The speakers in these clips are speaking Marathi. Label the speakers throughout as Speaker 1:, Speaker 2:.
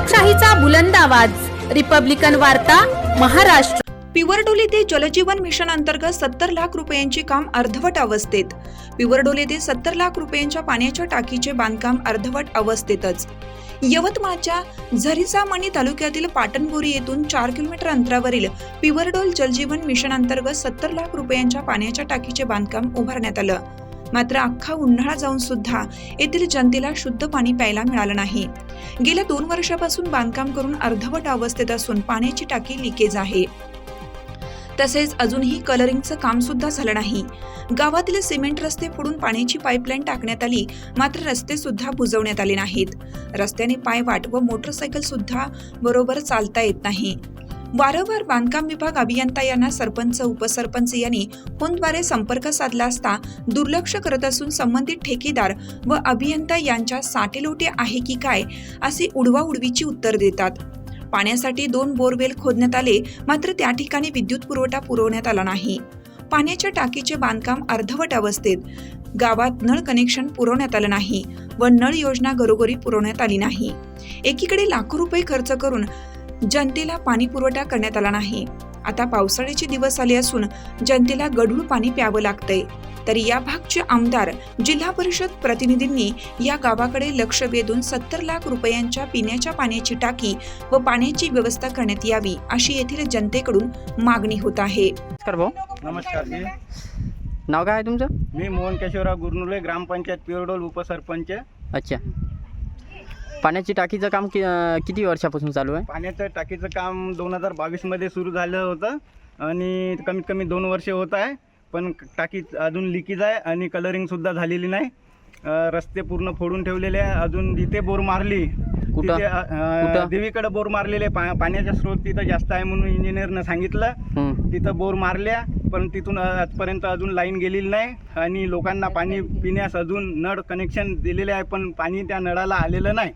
Speaker 1: लोकशाहीचा बुलंद आवाज, रिपब्लिकन वार्ता, महाराष्ट्र।
Speaker 2: पिवरडोली ते जलजीवन मिशन अंतर्गत 70 लाख रुपयांचे काम अर्धवट अवस्थेत। पिवरडोली ते 70 लाख रुपयांच्या पाण्याच्या टाकीचे बांधकाम अर्धवट अवस्थेतच। यवतमाळच्या झरीसामणी तालुक्यातील पाटणबोरी येथून 4 किलोमीटर अंतरावरील पिवरडोल जलजीवन मिशन अंतर्गत 70 लाख रुपयांच्या पाण्याच्या टाकीचे बांधकाम उभारण्यात आलं। मात्र अख्खा उन्हाळा जाऊन सुद्धा येथील जनतेला शुद्ध पाणी प्यायला मिळालं नाही। गेल्या 2 वर्षापासून बांधकाम करून अर्धवट अवस्थेत असून पाण्याची टाकी लिकेज आहे। तसेच अजूनही कलरिंगचं काम सुद्धा झालं नाही। गावातील सिमेंट रस्ते फोडून पाण्याची पाईपलाईन टाकण्यात आली, मात्र रस्ते सुद्धा बुजवण्यात आले नाहीत। रस्त्याने पायवाट व मोटरसायकल सुद्धा बरोबर चालता येत नाही। वारंवार बांधकाम विभाग अभियंता यांना सरपंच उपसरपंच यांनी फोनद्वारे संपर्क साधला असता दुर्लक्ष करत असून संबंधित ठेकेदार व अभियंता यांच्या साटेलोटे आहे की काय असे उडवाउडवीची उत्तर देतात। पाण्यासाठी 2 बोरवेल खोदण्यात आले, मात्र त्या ठिकाणी विद्युत पुरवठा पुरवण्यात आला नाही। पाण्याच्या टाकीचे बांधकाम अर्धवट अवस्थेत। गावात नळ कनेक्शन पुरवण्यात आलं नाही व नळ योजना घरोघरी पुरवण्यात आली नाही। एकीकडे लाखो रुपये खर्च करून जनतेला पाणी पुरवठा करण्यात आला नाही। आता पावसाळ्याचे दिवस आले असून जनतेला गढूळ पाणी प्यावं लागतंय। तर या भागचे आमदार, जिल्हा परिषद प्रतिनिधींनी या गावाकडे लक्ष वेधून 70 लाख रुपयांच्या पिण्याच्या पाण्याची टाकी व पाण्याची व्यवस्था करण्यात यावी अशी येथील जनतेकडून मागणी होत आहे।
Speaker 3: नमस्कार भाऊ।
Speaker 4: नमस्कार जी।
Speaker 3: नाव काय आहे तुमचं?
Speaker 4: मी मोहन केशवराव गुरनुले, ग्रामपंचायत पिवरडोल उपसरपंच।
Speaker 3: अच्छा, पाण्याची टाकीचं काम किती वर्षापासून चालू आहे?
Speaker 4: पाण्याचं टाकीचं काम 2022 मध्ये सुरू झालं होतं आणि कमीत कमी 2 वर्ष होत आहे, पण टाकी अजून लिकेज आहे आणि कलरिंग सुद्धा झालेली नाही। रस्ते पूर्ण फोडून ठेवलेले आहे। अजून जिथे बोर मारली तिथे देवीकडे बोर मारलेले, पाण्याचा स्रोत तिथं जास्त आहे म्हणून इंजिनियरनं सांगितलं। तिथं बोर मारल्या, पण तिथून आजपर्यंत अजून लाईन गेलेली नाही आणि लोकांना पाणी पिण्यास अजून नळ कनेक्शन दिलेले आहे, पण पाणी त्या नळाला आलेलं नाही।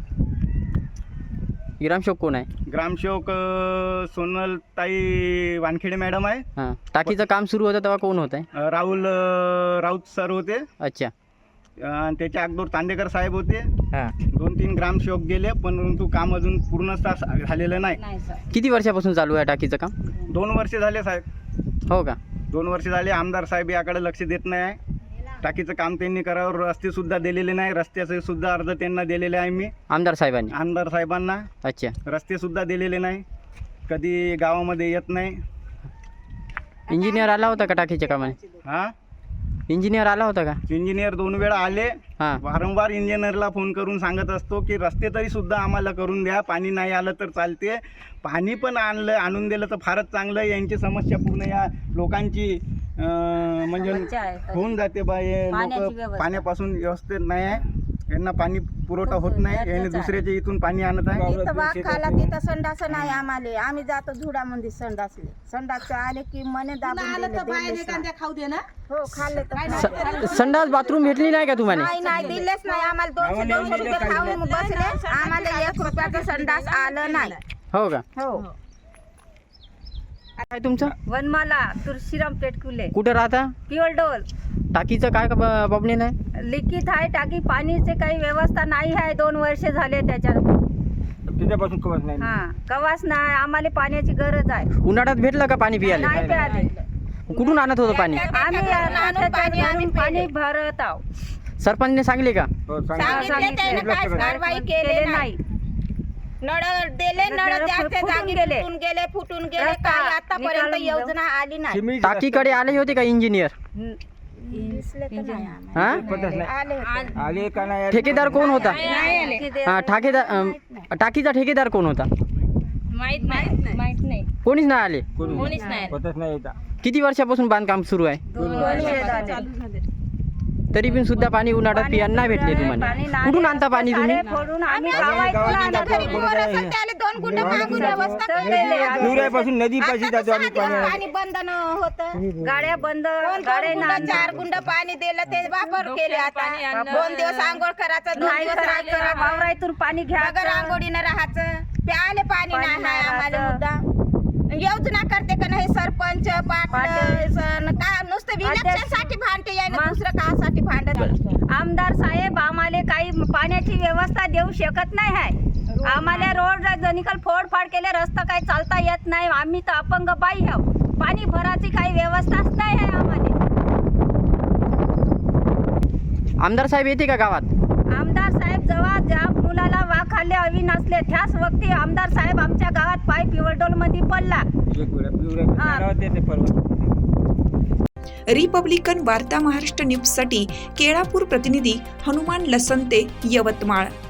Speaker 3: ग्रामसेवक कोण आहे?
Speaker 4: ग्रामसेवक सोनलताई वानखेडे मॅडम आहे।
Speaker 3: टाकीचं काम सुरू होतं तेव्हा कोण होतं?
Speaker 4: राऊत सर होते।
Speaker 3: अच्छा,
Speaker 4: त्याच्या अगोदर तांडेकर साहेब होते। 2-3 ग्रामसेवक गेले, परंतु काम अजून पूर्णतः झालेलं नाही।
Speaker 3: किती वर्षापासून चालू आहे टाकीचं काम?
Speaker 4: 2 वर्ष झाले साहेब।
Speaker 3: हो का?
Speaker 4: 2 वर्ष झाले। आमदार साहेब याकडे लक्ष देत नाही। टाकीचं काम त्यांनी करावं, रस्ते सुद्धा दिलेले नाही। रस्त्याचे सुद्धा अर्ज त्यांना दिलेले आहे मी, आमदार साहेबांना।
Speaker 3: अच्छा,
Speaker 4: रस्ते सुद्धा दिलेले नाही, कधी गावामध्ये येत नाही।
Speaker 3: इंजिनियर आला होता का टाकीच्या कामाने? इंजिनियर आला होता का?
Speaker 4: इंजिनियर 2 वेळा आले। वारंवार इंजिनियरला फोन करून सांगत असतो की रस्ते तरी सुद्धा आम्हाला करून द्या, पाणी नाही आलं तर चालते। पाणी पण आणून दिलं तर फारच चांगलं। यांची समस्या पूर्ण या लोकांची म्हणजे होऊन जाते बा। हे लोक पाण्यापासून व्यवस्थित नाही आहे, यांना पाणी पुरवठा होत नाही। यांनी दुसऱ्याच्या इथून पाणी आणत आहे।
Speaker 5: तिथं वाघ खाला, तिथं संडास नाही आम्हाला। आम्ही जातो झुडामध्ये संडासले, संडास आले की मने दाबून खाऊ दे ना। हो, खाल्ले तर
Speaker 3: संडास बाथरूम भेटली नाही का तुम्हाला?
Speaker 5: नाही दिलेच नाही आम्हाला। 200 रुपये खाऊन बसले, आम्हाला 1 रुपयाचं संडास आलं नाही।
Speaker 3: हो का?
Speaker 5: हो।
Speaker 3: काय तुमचं?
Speaker 5: वनमाला तुळशीराम पेटकुले।
Speaker 3: कुठं राहता?
Speaker 5: पिवरडोल।
Speaker 3: टाकीचं काय प्रॉब्लेम आहे?
Speaker 5: लिखित आहे टाकी, पाणीची काही व्यवस्था नाही आहे। 2 वर्ष झाले
Speaker 4: तिच्यापासून कवच नाही।
Speaker 5: कवाच नाही, आम्हाला पाण्याची गरज आहे।
Speaker 3: उन्हाळ्यात भेटलं का पाणी प्यायला?
Speaker 5: नाही प्याले।
Speaker 3: कुठून आणत होतं पाणी?
Speaker 5: आम्ही पाणी भरत आहोत।
Speaker 3: सरपंचने सांगले का?
Speaker 5: कारवाई केले नाही। नळ दिले, नळ गेले, फुटून गेले, काय आतापर्यंत योजना आली नाही।
Speaker 3: टाकीकडे आले होते का इंजिनियर? ठेकेदार कोण होता? टाकीचा ठेकेदार कोण होता?
Speaker 5: माहित नाही।
Speaker 3: कोणीच नाही आले?
Speaker 5: कोणीच नाही।
Speaker 3: किती वर्षापासून बांधकाम सुरू आहे?
Speaker 5: 2 वर्ष
Speaker 3: तरी पण सुद्धा पाणी उन्हाळ्यात पियाला नाही भेटले तुम्हाला? कुठून आणता पाणी तुम्ही?
Speaker 4: नदीपाशी जातो आम्ही।
Speaker 5: पाणी बंद होतं, गाड्या बंद, 4 गुंड पाणी दिलं, ते वापर केले। आता 2 दिवस आंघोळ करायचं, 2 दिवस वावरातून पाणी घ्यायचं, आंघोळीनं राहायचं, प्याले पाणी नाही आम्हाला। मुद्दा योजना करते का नाही सरपंच पाटील का नुसतं विलक्षणसाठी भांडते याय ना, दुसरं कासाठी भांडत? आमदार साहेब आम्हाला काही पाण्याची व्यवस्था देऊ शकत नाही आहे। आम्हाला रोड जनिकल फोडफाड केले, रस्ता काही चालता येत नाही. आम्ही तर अपंग बाई आहोत. पाणी भरायची काही व्यवस्थाच नाही आहे आम्हाला.
Speaker 3: आमदार साहेब येते का गावात?
Speaker 5: आमदार साहेब जेव्हा ज्या मुलाला वाखाले हवी नसले त्याच वक्ती आमदार साहेब आमच्या गावात पाय पिवळडोल मध्ये पडला.
Speaker 2: रिपब्लिकन वार्ता महाराष्ट्र न्यूजसाठी केळापूर प्रतिनिधी हनुमान लसंते, यवतमाळ.